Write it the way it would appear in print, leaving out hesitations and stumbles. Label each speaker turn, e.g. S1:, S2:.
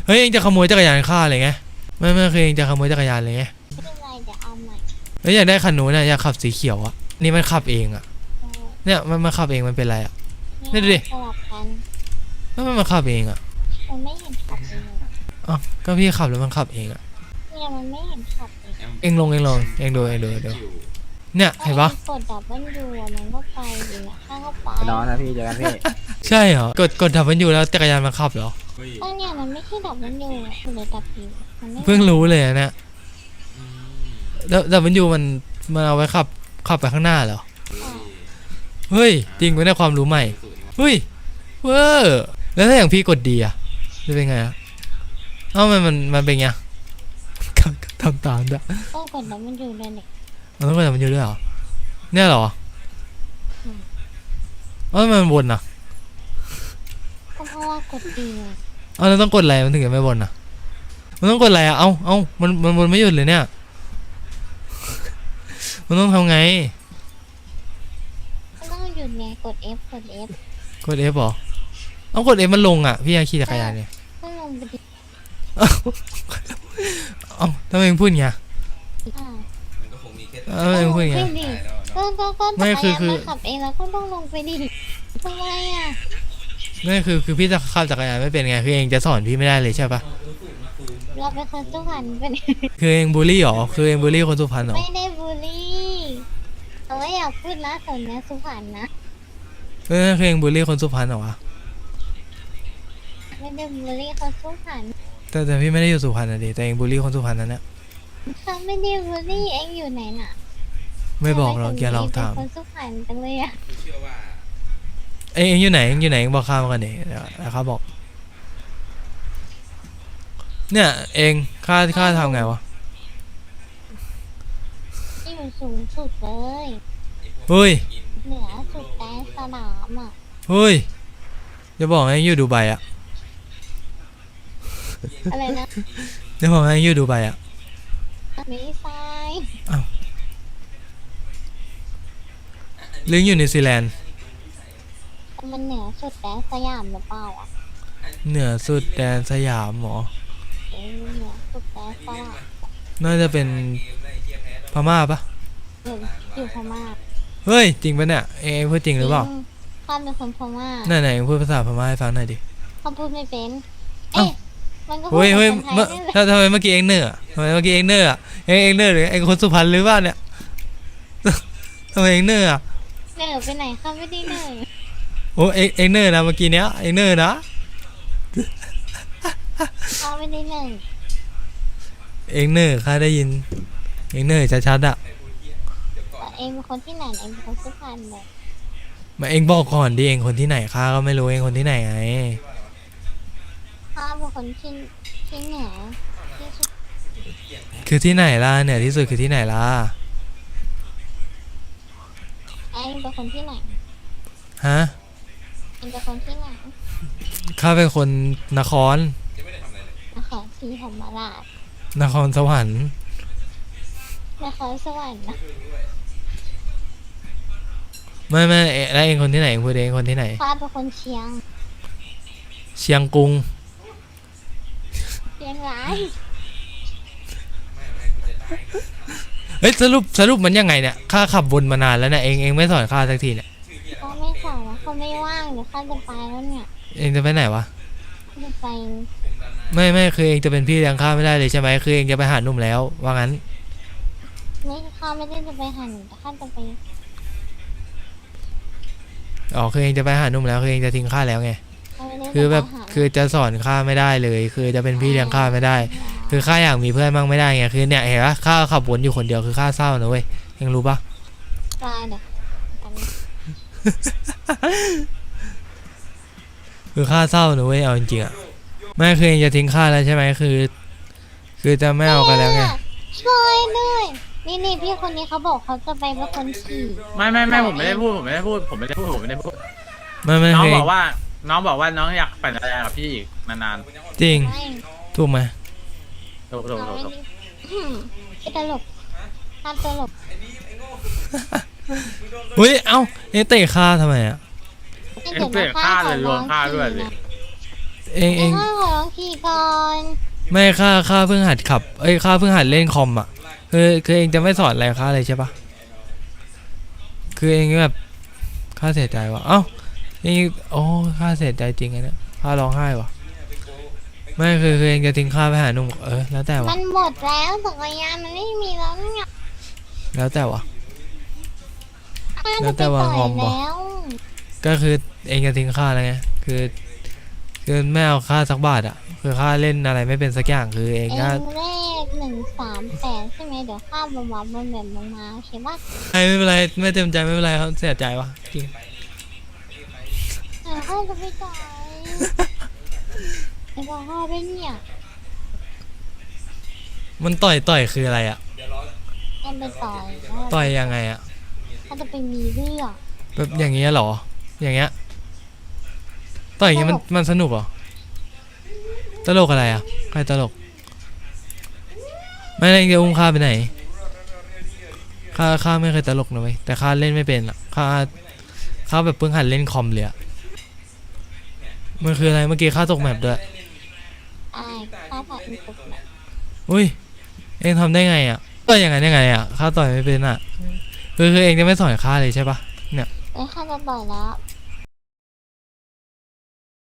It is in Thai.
S1: เฮ้ยเองจะขโมยจักรยานข้าเลยไงไม่คือเองจะขโมยจักรยานเลยไง
S2: ไม่เป็นไรเดี๋ยวเอาใหม่
S1: เฮ้ยอยากได้คันนู้นนะอยากขับสีเขียวอะนี่มันขับเองอะเนี่ยมันขับเองมันเป็นไรอะนี่ดูดิ
S2: สลับกัน
S1: มันขับเองอะ
S2: มันไม่เห็นขับเอง
S1: อ๋อก็พี่ขับแล้วมันขับเองอะ
S2: เนี่ยมันไม่เห็นขับเอง
S1: เองลงดูเนี่ยเห็นปะ
S2: กดดับเบิลยูมันก็ไปเองข้างก็ไป
S3: นอนนะพี่เจอกันพี่
S1: ใช่เหรอกดดับมันอยู่แล้วจักรยานมันขับเหรอ
S2: ก็เนี่ยมันไม่ใช่ดับเบิลยูคือเลยดับยู
S1: เพิ่งรู้เลยนะดับมันอยู่มันเอาไว้ขับไปข้างหน้าเหรอเฮ้ยจริงไม่ได้ความรู้ใหม่เฮ้ยเวอร์แล้วถ้าอย่างพี่กดดีอะจะเป็นไงอะเอ้ามันเป็นไงทำตามด้วย
S2: ต้องกดดับเบิลยูเลยเนี่ย
S1: ต้องกดดับมันอยู่ด้วยเหรอเนี่ยเหรอมันวนอะ
S2: ก็เพราะว่ากดดี
S1: แล้วต้องกดอะไรมันถึงจะไม่วนอะมันต้องกดอะไรอะมันวนไม่หยุดเลยเนี่ยมันต้องทำไง
S2: ต้องหยุดไงกด F
S1: กด F เหรอต้องกด F มันลงอ่ะพี่ขี่จักรยานเนี่ย
S2: ต้องลงไปดิ
S1: ทำไมพูดอย่างเงี้ย
S2: เอง
S1: พูดอย่างเงี้ย
S2: ก็ไม่คือขับเองแล้วก็ต้องลงไปดิทำไมอ่ะ
S1: ไม่คือพี่จะขับจักรยานไม่เป็นไงคือเองจะสอนพี่ไม่ได้เลยใช่ปะ
S2: เราเป็นคนสุพรรณเป็น
S1: คือเองบูลลี่หรอคือเองบูลลี่คนสุพรรณหรอ
S2: ไม่ได้บูลลี่เอาไว้อยากพูดนะสนเนี้ยสุพรรณนะ
S1: คือเองบูลลี่คนสุพรรณหรอวะ
S2: ไม่ได้บูลลี่คนสุพรรณ
S1: แต่พี่ไม่ได้อยู่สุพรรณนะดิแต่เองบูลลี่คนสุพรรณนั่นแหละ
S2: เขาไม่ได้บูลลี่เองอยู่ไหนน่ะ
S1: ไม่บอกเราแกลองถาม
S2: คนสุพรรณจังเลยอ่ะ
S1: เองอยู่ไหนเองบอกข้ามากันดิแล้วข้าบอกเนี่ยเองข้าทำไงวะ
S2: อยู่สูงสุดเลย
S1: เฮ้ย
S2: เหนือสุดแดนสนามอ่ะ
S1: เฮ้ยจะบอกให้อยู่ดูไบอ่ะ
S2: อะไรนะ
S1: จะบอกให้อยู่ดูไบอ่ะ
S2: ไม่ใช่
S1: อ้าวลิงอยู่นิวซีแลนด์
S2: มันเหนือสุดแดนสยามหรือเปล่าอ่ะ
S1: เหนือสุดแดนสยามหรอ
S2: เหนือสุดแดนสยาม
S1: น่าจะเป็นพม่าปะ
S2: อยู่พม่า
S1: เฮ้ยจริงปะเนี่ยเองพูดจริงหรือเปล่า
S2: ข้าเป็นคนพม่า
S1: ไหนพูดภาษาพม่าให้ฟังหน่อยดิ
S2: เขาพูดไม่เป็นมันก็
S1: เฮ้ยทำไมเมื่อกี้เองเนื้อทำไมเมื่อกี้เองเนื้อเนื้อหรือเองคนสุพรรณหรือเปล่าเนี่ยทำไมเองเนื้อ
S2: ไปไหนข้าไม่ได้เนื้อ
S1: โอ้เองเนื้อนะเมื่อกี้เนี้ยเองเนื้อนะ
S2: ข้าไม่ได้เนื้อ
S1: เองเนื้อข้าได้ยินเองเนื้อชัดๆอ่ะ
S2: เองเป็นคนที่ไหนเองเป็นคนสุพรรณเลย
S1: มาเองบอกก่อนดิเองคนที่ไหนข้าก็ไม่รู้เองคนที่ไหนไง
S2: ข้าเป็นคนที่เหนือที่สุด
S1: คือที่ไหนล่ะเหนือที่สุดคือที่ไหนล่ะ
S2: เองเป็นคนที่ไหน
S1: ฮะ
S2: เองเป็นคนที่ไหน
S1: ข้าเป็นคนนคร
S2: ศรีธรรมราช
S1: นครสวรรค์
S2: นครสวรรค์นะ
S1: ไม่แล้วเองคนที่ไหนเองพูดเองคนที่ไหน
S2: ข้าเป็นคนเชียง
S1: กรุง
S2: เชียงราย
S1: เฮ้ยสรุปมันยังไงเนี่ยข้าขับวนมานานแล้วเนี่ยเองไม่สอนข้าสักทีเนี่ย
S2: ก็ไม่สอนแล้วเขาไม่ว่างเดี๋ยวข้าจะไปแล้วเนี่ย
S1: เองจะไปไหนวะ
S2: จะไป
S1: ไม่คือเองจะเป็นพี่เลี้ยงข้าไม่ได้เลยใช่ไหมคือเองจะไปหาหนุ่มแล้วว่างั้น
S2: ไม่ข้าไม่ได้จะไปหาหนุ่มแต่ข้าจะไป
S1: คือเองจะไปหาหนุ่มแล้วคือเองจะทิ้งข้าแล้วไงคือแบบคือจะสอนข้าไม่ได้เลยคือจะเป็นพี่เลี้ยงข้าไม่ได้คือข้าอยากมีเพื่อนมั่งไม่ได้ไงคือเนี่ยเห็นปะข้าขับวนอยู่คนเดียวคือข้าเศร้านะเว้ยยังรู้ปะคือข้าเศร้านะเว้ยเอาจริงๆอ่ะไม่คือเองจะทิ้งข้าแล้วใช่ไหมคือจะไม่เอากันแล้วไง
S2: ช่วยด้วยนี่พี่คนนี้เขาบอกเขาจะไปเป็นคนขี่
S3: ไม่ผมไม่ได้พูดไม่น้องบอกว่าน้องอยากปั่นจักรยานกับพี่อีกนาน
S1: จริงถูกไหม
S3: ถูก
S2: ตลกห้ามตลก
S1: เฮ้ยเอ้าเตะข้าทำไมอ่ะ
S3: เตะข้าเลยรวมข้าด้วยเลย
S1: เอง
S2: ข้าขอลองขี่ก่อน
S1: ไม่ข้าเพิ่งหัดขับข้าเพิ่งหัดเล่นคอมอ่ะคือเองจะไม่สอนอะไรข้าเลยใช่ปะคือเองแบบข้าเสียใจว่ะเอ้าเองโอ้ข้าเสียใจจริงไงเนี่ยข้าร้องไห้ว่ะไม่คือเองจะทิ้งข้าไปหาหนุ่มแล้วแต่วะ
S2: มันหมดแล้วจักรยานมันไม่มีแล้วเนี่ย
S1: แล้วแต่วะ
S2: ข้า
S1: แล้
S2: จะ
S1: ว
S2: ไป
S1: แต่ว่า
S2: ต่อย
S1: งอมเหรอ
S2: แล้ว
S1: ก็คือเองจะทิ้งข้าแล้วไงคือไม่เอาข้าสักบาทอ่ะคือข้าเล่นอะไรไม่เป็นสักอย่างคือเอง
S2: เอ
S1: ก็
S2: งเลข138ใช่ไหมเดี๋ยวข้าบวบมันแบบลงมาโอเคปะ
S1: ไม่เป็นไรไม่เต็มใจไม่เป็นไรครับเสียใจวะจริง
S2: ข้าจะไปต่อยไอ้บอกข้าด้วยเนี่ย
S1: มันต่อยคืออะไรอ่ะ
S2: เอ็มไปต่อย
S1: ต่อยยังไงอ่ะ
S2: ข้าจะไปมีเรื่อง
S1: แบบอย่างเงี้ยเหรออย่างเงี้ยต่อยอย่างเงี้ยมันสนุกเหรอตลกอะไรอ่ะใครตลกไม่เองจะอุ้มข้าไปไหนข้าไม่เคยตลกนะเว้ยแต่ข้าเล่นไม่เป็นอ่ะข้าแบบเพิ่งหัดเล่นคอมเลยอ่ะมันคืออะไรเมื่อกี้ข้าตกแมปด้วย
S2: ไอ้ข้าถ่ายอีกปุ๊บเนี่ย
S1: อุ้ยเองทำได้ไงอ่ะต่อยอย่างนั้นยังไงอ่ะข้าต่อยไม่เป็นอ่ะคือเองจะไม่สอนข้าเลยใช่ปะเนี่ย
S2: เอ้ยข้าจะต่อยแล้ว